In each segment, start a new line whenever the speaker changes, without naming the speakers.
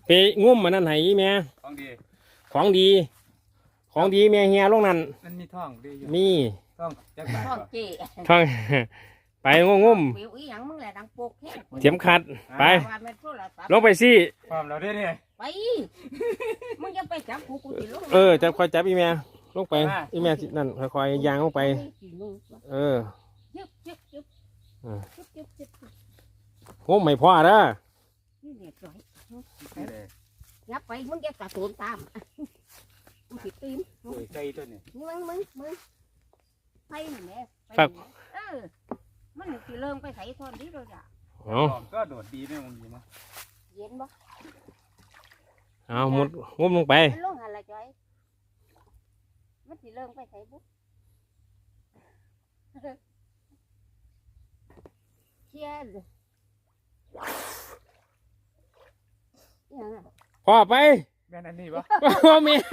ไปงุ้มมันนั่นไหแม่
ของดี
ของดีของดีแม่เฮียลงนั่น
มันมีท่องดีอยู่
มี
ท่องจักบาท
ท่องเจ๊
ท่องไปงุ้ม
วิวอีหยังมึงแหละดังโปกแค่
เข็มขัดไปลงไปสิ
ความเราได้เนี่ย
ไปมึงจะไปจับกูสิลง
จะคอยจับอีแม่ลงไปอีแม่นั่นคอยยางลงไป
ยึบยึบยึบยึบยึบยึบ
งุ้มไม่พอเด้อ
นี่เนี่ยจ่อยยับไปมึงจะกระโดดตามมึงผิดตีน
ใจตัวนี้
มึงไปนี่แม่มันสิเริ่มไปใส่ทอนนี้เลยจ้ะ
ก็โดดดีไม่มองดีนะ
เย็นบ่
เอามุดงุ้มลงไป
ลงหันละจ่อยมันสิเริ่มไปใส่บุ๊กเชี่ย
พ่อไป
แม่นอันนี้ปะ
บ่แม่น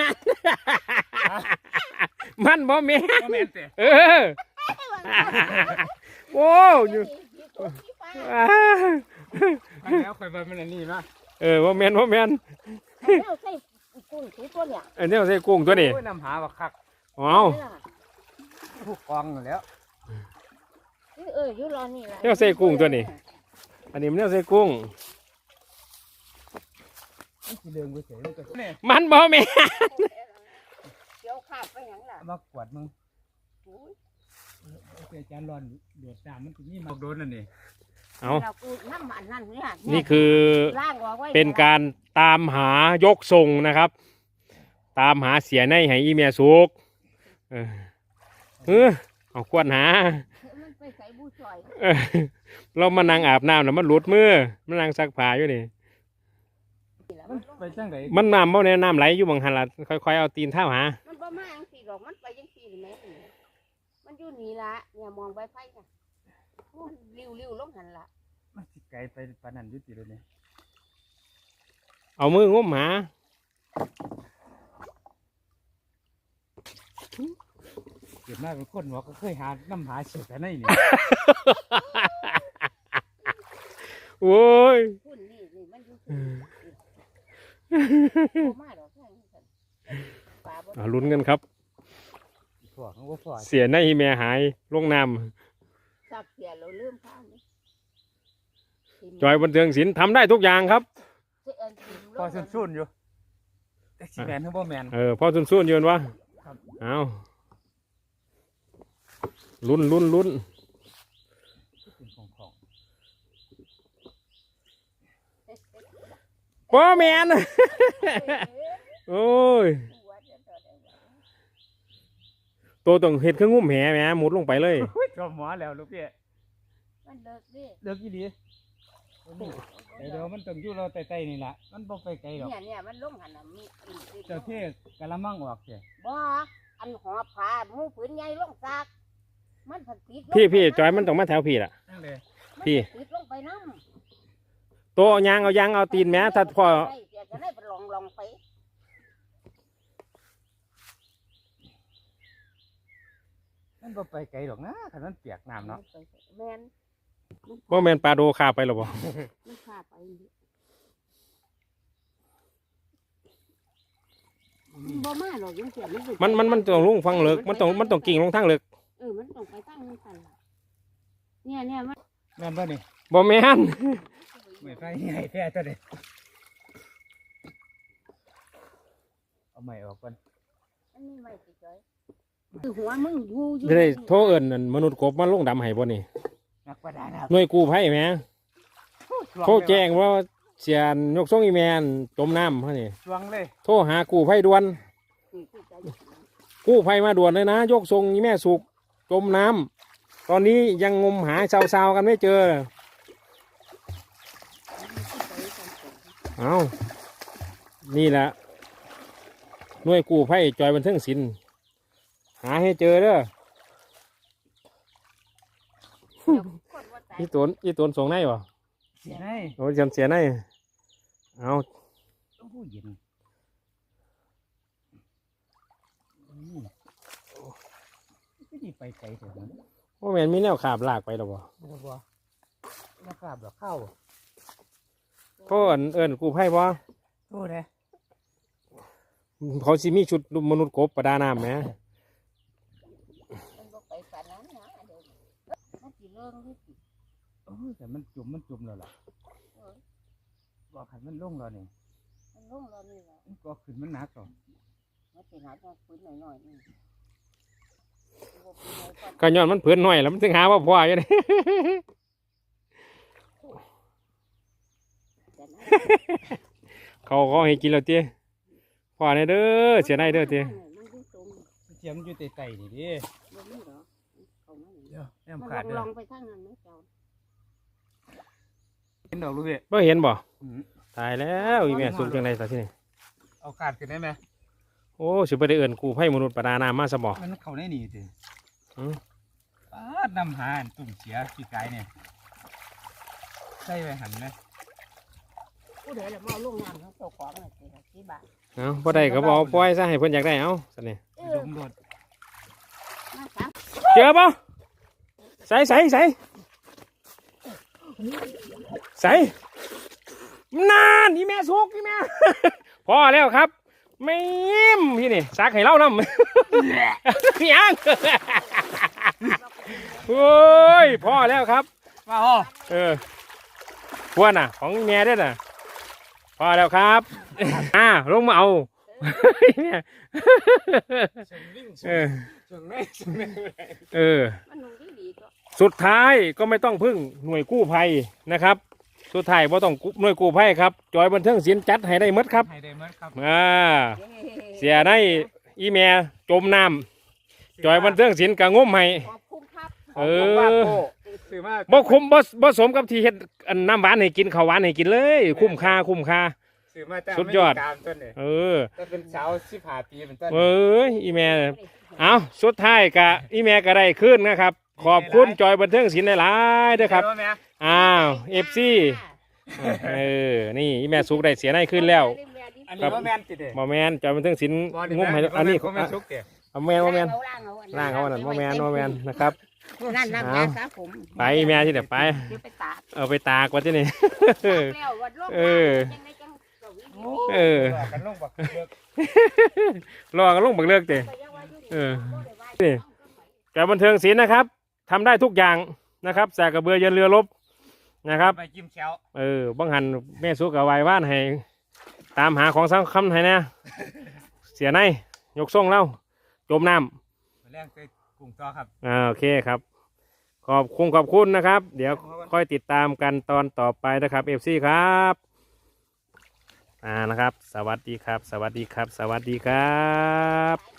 มันบ่แม่นโอ้ย
แล้วคอยไปมันอันนี้นะ
บ่แม่น
ใส่กุ้งตัวเนี่ย
อันนี้ใส่กุ้งตัวนี้
นำหาบักคักผู้กองแล้ว
อยู่รอนี่แหละ
เนี่ยใส่กุ้งตัวนี้อันนี้มันเนี่ยใส่กุ้งมันบ่แม่น
เดี๋ยวขาดไปหยังล่ะ
มากวดมึงเสียจานร้อนเดือดตามมันนี่มาโดนนั่นนี่
เอานี่คือเป็นการตามหายกทรงนะครับตามหาเสียในให้อีเมียสุกเอาควรหาเรามานั่งอาบน้ำแล้วมันหลุดมือมันนั่งซักผ้าอยู่นี่มันน้ำบ่เนี่ยน้ำไหลอยู่บางหันละค่อยๆเอาตีนเท้าหา
มันบ่มาจังสี่ดอกมันไปจังสี่หรือไม่มันอยู่นี่ละเนี่ยมองไปไฟค่ะริ้วลงหันละ
มันสิไกลไปปานนั้นยุติเลยเนี่ย
เอามืองุ้มหา
เกิดมาเป็นคนหัวก็เคยหาน้ำหาเฉยแต่ในนี่
โอ้ยลุ้นกันครับเสียในแม่หายลงน้ำจอยบันเทิงศิลป์ทำได้ทุกอย่างครับ
พอซุ่นอยู่แต่สีแมนคือบ่แมน
พอซุ่นอยู่วะเอาลุ้นบ่แมนโอ้ยตัวต้องเห็ดเครื่องงุ้มแหแม่หมุดลงไปเลย
ก็หมอแล้วลูกพี่
มันเลิกดิ
เลิกกี่ดีเดี๋ยวมันต้องอยู่เราไต่ๆนี่แหละมันบ่ไปไกลหรอก
เนี่ยมันลงหันมี
เจ้าเท่กะละมังออกเจ้
บ่อันหอบผ้ามูผืนใหญ่ลงซากมันผัดติด
พี่จอยมันต้องมาแถวพี่ล่ะพี่
ติดลงไปน้
ำโตยางเอาตีนแม่ถ้าพอ
จะได้ไปลองไป
มันบ่ไปไกลหรอกนะขนาดเปียกน้ำเนาะ
บ่แมนปลาโดคาไปหรอบ่
มันคาไปบ่มาหรอกยังเสีย
มันต้องลงฟังเลิกมันต้องกิ่งลงทางเลิก
มันต้องไปตั้งนี่กันเนี่ยมัน
แม่นบ่นี่
บ่แม่น
ไม่ไฟใหญ่แท้ตัวเด้เอาใหม่ออกก่อน
อันนี้ไม่สิจ้อยคือหัวมึงอยู่
ได้โทรเอิ้นมนุษย์กบมาลงดำให้บ่นี่หน่วยกู้ภัยแม่โทรแจ้งว่าเสียนยกส่งอีแมนจมน้ำเขานี่โทรหากู้ภัยด่วนกู้ภัยมาด่วนเลยนะยกส่งอีแม่สุกจมน้ำตอนนี้ยังงมหาชาวๆกันไม่เจอเอานี่แหละหน่วยกู้ภัยจอยบันเทิงศิลป์หาให้เจอเด้ออีตนส่งในวะ
เสียใน
โอ้ยเสียในเอา
เย็นที่ไปไกลเถอะนั้น
ว่าแมนมีแนวขาบลากไปหรอบ่
แนวขาบหรอเข้า
พ่อเอิญกู้ภัยบ่
โอ้เลย
เขาสิมีชุดมนุษย์กบประดาน้ำไหม
มันบ่ไปปานนั้นนะเดี๋ยวมันสิเรื่องนี่สิ
โอ้ยแต่มันจุ่มแล้วล่ะบอกขันมันลงแล้วนี่
มันลงแล้วนี่ล่ะ
มันก็ขึ้นมันหนักหรอก
มันสิหาจังปืนหน่อยๆนี่บ่ปืนใหญ่ก่อน
ก็ย้อนมันเผือนหน่อยแล้วมันถึงหาว่าพ่ออยู่นี่
แต่นะ
เขาให้กินแล้วเตี้ยพ่อเนี่ยเด้อเสียได้เด้อเตี้ย
มันอยู่ตรง
เทียมอยู่ใต้ๆนี่ดิ
บ่มีหรอเข้ามานี่
เดี๋ยวแอม
มัน
ขาดเด้
ล
อ
องไปทางนั้นไหมเจ้า
เห็นดอกลูกพี่
บ่เห็นบ่
อืม
ตายแล้วอีแม่สุกจังได๋ซะที่นี่
เอาขาดขึ้นได้ไหม
โอ้สิบ่ได้เอิ้นกู้ภัยมนุษย์ประดาน้ำมาซะบ่
มันเข้าได้นี่สิ
อืม
ป้าดนำหาอันตุ่มเสียขี้ไก่เนี่ยใส่ไว้หันไหม
ผู้ใดล่ะมาเอาลงน้ำทั้งเจ้าของน่ะสิบาท
เอ้าบ่ได้ก็บ่เอาปล่อยซะให้เพิ่นอยากได้เอ้าซั่นนี่
เอ
ด
อ
มรถ
มาสาม
เจอบ่ใส่นานอีแม่สุกอีแม่ พอแล้วครับไม่ยิ้มพี่นี่ซักให้เล่านำ ยัง โอ้ยพอแล้วครับ
มาอ๋อ
เออพวนน่ะ ของแม่ด้วยน่ะ พอแล้วครับ ลงมาเอา เออ เออ
มันนุ่งดีๆก็
สุดท้ายก็ไม่ต้องพึ่งหน่วยกู้ภัยนะครับ สุดท้ายว่าต้องหน่วยกู้ภัยครับ จอยบันเทิงศิลป์จัดให้ได้หมดครับ
ให้ได้หมดครับ
เสียในอีเมียจมน้ำจอยบันเทิงศิลป์กะงมให้
ขอบคุณครับ
เออ
ซื้อมา
บ่คุ้มบ่สมกับที่เฮ็ดอันน้ำหวานให้กินข้าวหวานให้กินเลย คุ้มค่า
ซื้อมาแต่
สุดยอด
ไม่ตามต้นเนี่ย
เออ
แต่เป็นสาว15 ปีเป็นต้น
เอ้ยอีเมียเอาสุดท้ายกะอีเมียก็ได้ขึ้นนะครับ ขอบคุณจอยบันเทิงศิลป์หลายๆเด้อครับ
เห็นไหม
อ้าว FC เออ นี่อีแม่สุกได้เสียในขึ้นแล้ว
อันนี้ว่าแมนติดเด้
บ่แมนจอยบันเทิงศิลป์งมให้อันนี้
เขาแมนชุกเด้
บ่แมนบ่แมนล่างเขาอันนั้นบ่แมนบ่แมนนะครับ
นั่นน้ำยาสระผม
ไปอีแม่ที่เดี๋ยวไป
เดี๋ยวไปตาก
เอาไปตากว่าที่นี่
ตากแล้ววัดโลก
เออ
จังได้จังเก้าอี้
เออ
กันลงบักเลือก
รอกันลงบักเลิกเตะ
ไปยังว่าอยู่ดี
เออ
บ่ได้ว่าอยู่
จอยบันเทิงศิลป์นะครับทำได้ทุกอย่างนะครับแสกกระเบือยันเรือรบนะครับ
ไปจิ้มแชว
บังหันแม่สุกกับวายว่านให้ตามหาของสำคัญให้นะเสียในยกส่งเล่าจมน้ำ
มาแรงเคยกลุ่มต่อครับ
โอเคครับ ขอบคุณนะครับ เดี๋ยวค่อยติดตามกันตอนต่อไปนะครับเอฟซีครับนะครับ สวัสดีครับ สวัสดีครับ สวัสดีครับ